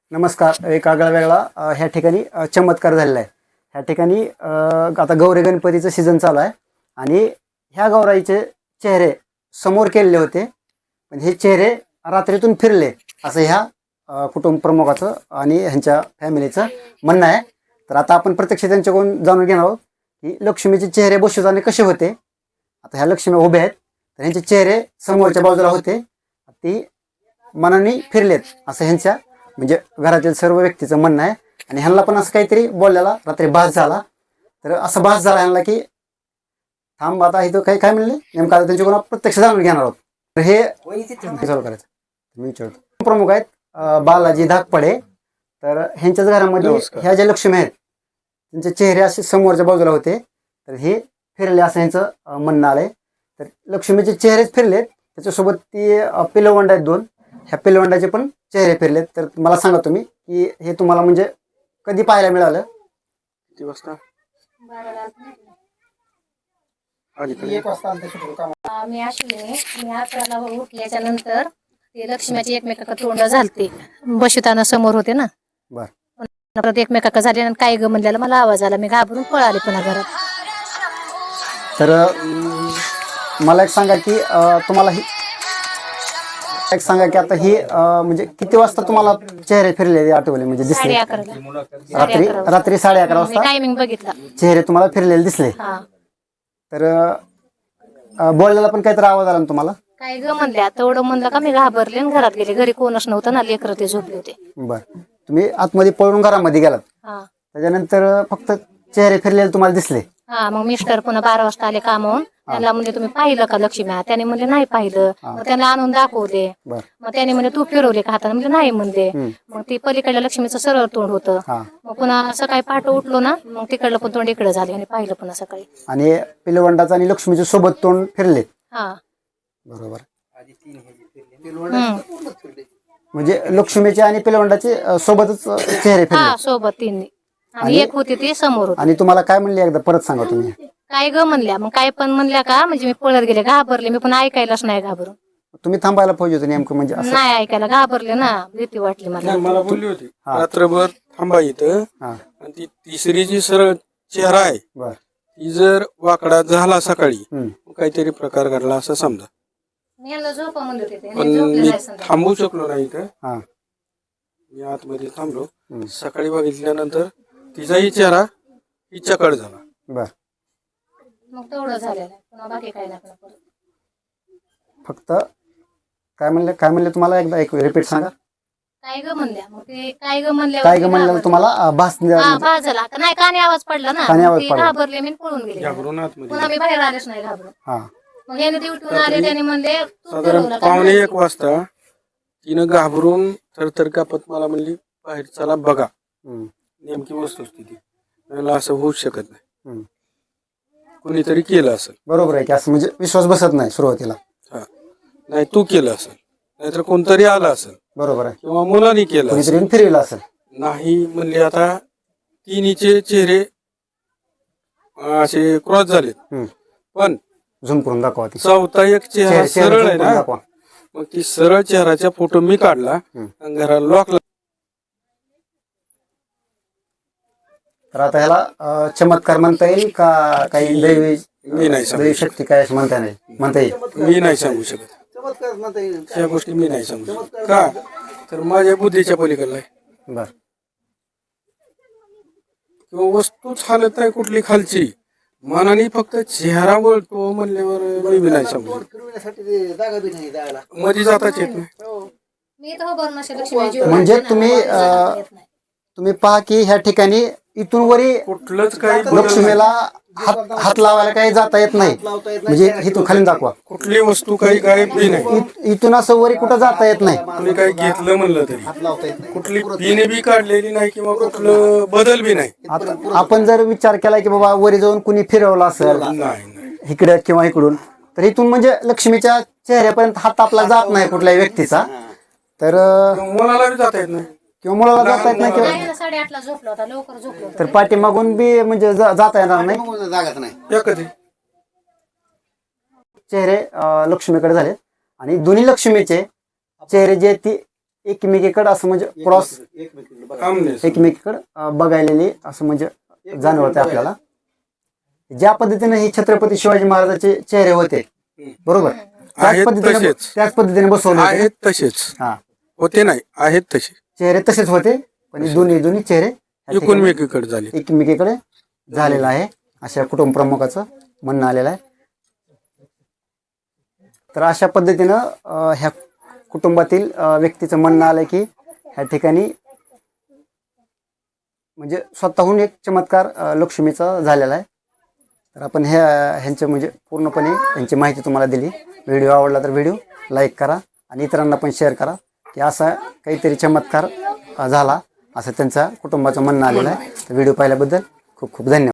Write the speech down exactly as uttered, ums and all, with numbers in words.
नमस्कार. एक आगळा वेगळा अ, ह्या ठिकाणी अ, चमत्कार झालेला आहे. ह्या ठिकाणी अ, आता गौरी गणपतीचं सीझन चालू आहे आणि ह्या गौराईचे चेहरे समोर केलेले होते, पण हे चेहरे रात्रीतून फिरले असं ह्या अ, कुटुंब प्रमुखाचं आणि ह्यांच्या फॅमिलीचं म्हणणं आहे. तर आता आपण प्रत्यक्ष त्यांच्याकडून जाणून घेणार आहोत की लक्ष्मीचे चेहरे बसवताना कसे होते. आता ह्या लक्ष्मी उभ्या आहेत, तर ह्यांचे चेहरे समोरच्या बाजूला होते, ती मनाने फिरलेत असं ह्यांच्या म्हणजे घरातील सर्व व्यक्तीचं म्हणणं आहे. आणि ह्यांना पण असं काहीतरी बोलल्याला रात्री भास झाला. तर असं भास झाला ह्यांना की थांब आता इथं काही काय म्हणले नेमकं आता त्यांच्याकडून प्रत्यक्ष जाणून घेणार आहोत. तर हे चालू करायचं मी विचारतो. प्रमुख आहेत अं, बालाजी धाकपडे. तर ह्यांच्याच घरामध्ये ह्या ज्या लक्ष्मी आहेत त्यांचे चेहरे असे समोरच्या बाजूला होते, तर हे फिरले असं ह्यांचं अं, म्हणणं आलंय. तर लक्ष्मीचे चेहरेच फिरलेत, त्याच्यासोबत ती अं, पिलवंड आहेत दोन, ह्या पिलवंडाचे पण चेहरे फिरलेत. तर मला सांगा तुम्ही की हे तुम्हाला म्हणजे कधी पाहायला मिळालं. किती वाजता मी अश्विनी मी अकराला उठल्याच्या नंतर ते लक्ष्मीची एकमेकाका तोंड झालते बशिताना समोर होते ना. बर परत एकमेकाका झाले आणि काय ग म्हणल्याला मला आवाज आला, मी घाबरून पळाले पुन्हा घरात. तर अं, मला एक सांगा की अं, तुम्हाला ही एक सांगा की आता ही अं, म्हणजे किती वाजता तुम्हाला चेहरे फिरलेले आठवले म्हणजे साडे दिसले. अकराला रात्री रात्री साडे अकरा वाजता टायमिंग बघितला. चेहरे तुम्हाला फिरलेले दिसले. हा तर अं, बोललेला पण काहीतरी आवाज आला ना तुम्हाला. काय ग म्हणल्या तेवढं म्हणलं का मी घाबरले आणि घरात गेले. घरी कोणच नव्हतं ना, लेकर ते झोपले होते. बर तुम्ही आतमध्ये पळून घरामध्ये गेलात, हा त्याच्यानंतर फक्त चेहरे फिरलेले तुम्हाला दिसले. हा मग मिस्टर पुन्हा बारा वाजता आले कामावून. त्यांना म्हणजे तुम्ही पाहिलं का लक्ष्मी? त्याने म्हणले नाही पाहिलं. मग त्यांना आणून दाखवले. बर मग त्याने म्हणजे तू फिरवले का हाताने? म्हणजे नाही म्हणले. हम्म. मग ती पलीकडल्या लक्ष्मीचं सरळ तोंड होतं. हा मग पुन्हा सकाळी पहाटे उठलो ना, मग तिकडलं पण तोंड इकडे झाले आणि पाहिलं पुन्हा सकाळी. आणि पिलवंडाचं आणि लक्ष्मीचं सोबत तोंड फिरले. हा बरोबर. हम्म. म्हणजे लक्ष्मीचे आणि पिलवंडाचे अं, सोबतच अं, चेहरे फिरले. हा सोबत तीन आणि एक होती ती समोर होती. आणि तुम्हाला काय म्हणले एकदा परत सांगा तुम्ही. काय ग म्हणल्या? मग काय पण म्हणल्या का म्हणजे मी पळत गेले, घाबरले. मी पण ऐकायलाच नाही घाबरून. तुम्ही थांबायला पाहिजे होतं नेमकं म्हणजे असं. नाही ऐकायला घाबरले ना, भीती वाटली मला. नाही मला बोलली होती हा. रात्रभर थांबा इथं. हा आणि ती तिसरी जी सरळ चेहरा आहे बर ती जर वाकडा झाला सकाळी हम्म. मग काहीतरी प्रकार घडला असं समजा. मी यांना झोपा म्हणत होते ते. पण मी झोपले मी नाही संध्याकाळी. थांबू शकलो नाही इथं. हा मी आतमध्ये थांबलो. हम्म. सकाळी बघितल्यानंतर तिचाही चेहरा हिच्याकड झाला. बर मग तेवढं झालेलं आहे, पुन्हा बाकी काही नाही पुन्हा परत. फक्त काय म्हणले काय म्हणले तुम्हाला एकदा एक रिपीट सांगा. काय ग म्हणल्या? मग ते काय ग म्हणल्या काय ग म्हणलं तुम्हाला अं, भास हा भास झाला का नाही? कानी आवाज पडला ना, कानी आवाज मग ते पडला. घाबरले मी आणि पळून गेले. घाबरून आतमध्ये पुन्हा मी बाहेर आलेच नाही घाबरून. हा मग याने ते उठून आले, त्याने म्हणले तू साधारण फिरवलं का? पावणे एक वाजता तिनं घाबरून थरथर कापत मला म्हणली बाहेर चला बघा हम्म. नेमकी वस्तुस्थिती. मला असं होऊच शकत नाही, हम्म. कोणीतरी केलं असेल. बरोबर आहे की असं म्हणजे विश्वास बसत नाही सुरुवातीला. हा नाही तू केलं असेल, नाहीतर कोणतरी आलं असेल बरोबर आहे, किंवा मुलांनी केलं असेल. कोणीतरी येऊन फिरविलं असेल. नाही म्हणले आता तिन्हीचे चेहरे अं, असे क्रॉस झालेत. हम्म. पण झूम करून दाखवा ती चौथा एक चेहरा चेहरे- चेहरे सरळ zoom आहे करून ना, दाखवा. मग ती सरळ चेहऱ्याचा फोटो मी काढला हम्म. आणि घराला लॉक. तर आता ह्याला अं, चमत्कार म्हणता येईल का काही दैवी मी नाही सांगू दैवी शक्ती काय असं म्हणता नाही म्हणता येईल. मी नाही सांगू शकत त्या गोष्टी. मी नाही सांगू शकत का तर माझ्या बुद्धीच्या पलीकडला आहे. बर किंवा वस्तूच हालत नाही कुठली खालची, मनाने फक्त चेहरा वळतो म्हणल्यावर मी बी नाही सांगू शकत. मध्ये जाताच येत नाही. मी तर उभारून अशी लक्ष्मी जीव म्हणजे लावते ना, तुम्ही, मला जाता अं, येत नाही. तुम्ही पहा की ह्या ठिकाणी इथून वरी कुठलंच काही बदल लक्ष्मीला नाही. हात हात लावायला काही जाता येत नाही. म्हणजे इथून खाली दाखवा. कुठली वस्तू काही गायब बी नाही. इत- इथून असं वरी कुठं जाता येत नाही. कुणी काही घेतलं म्हणलं तरी कुठली पिने बी काढलेली नाही किंवा कुठलं बदल बी नाही. आता आपण जर विचार केला की बाबा वरी जाऊन कुणी फिरवलं असेल नाही नाही इकडे किंवा इकडून, तर इथून म्हणजे लक्ष्मीच्या चेहऱ्यापर्यंत हात आपला जात नाही कुठल्याही व्यक्तीचा. तर अं, मुलाला बी जाता येत नाही. किंवा मुलाला जाता येत नाही किंवा नाही ना, साडेआठला झोपला होता, लवकर झोपलो होता. तर पाठीमागून बी म्हणजे जा- जाता येणार नाही. या कधी चेहरे अं, लक्ष्मीकडे झाले आणि दोन्ही लक्ष्मीचे चेहरे जे आहेत ती एकमेकीकडे असं म्हणजे क्रॉस काम नाही एकमेकीकडे अं, बघायलेली असं म्हणजे जाणवते आपल्याला. ज्या पद्धतीने हे छत्रपती शिवाजी महाराजांचे चेहरे होते बरोबर त्याच आहेत पद्धतीने तसेच. त्याच पद्धतीने बसवले होते. आहेत तसेच हा होते नाही आहेत तसे चेहरे तसेच होते पण हे दोन्ही दोन्ही चेहरे या ठिकाणी एकूणमेकीकडे झाले. एकमेकीकडे झालेलं आहे अशा कुटुंब प्रमुखाचं म्हणणं आलेलं आहे. तर अशा पद्धतीनं अं, ह्या कुटुंबातील अं, व्यक्तीचं म्हणणं आलं की ह्या ठिकाणी म्हणजे स्वतःहून एक चमत्कार अं, लक्ष्मीचा झालेला आहे. तर आपण ह्या ह्यांचे म्हणजे पूर्णपणे ह्यांची माहिती तुम्हाला दिली. व्हिडिओ आवडला तर व्हिडिओ लाईक करा आणि इतरांना पण शेअर करा की असा काहीतरी चमत्कार अं, झाला असं त्यांच्या कुटुंबाचं म्हणणं आलेलं आहे. तर व्हिडिओ पाहिल्याबद्दल खूप खूप धन्यवाद.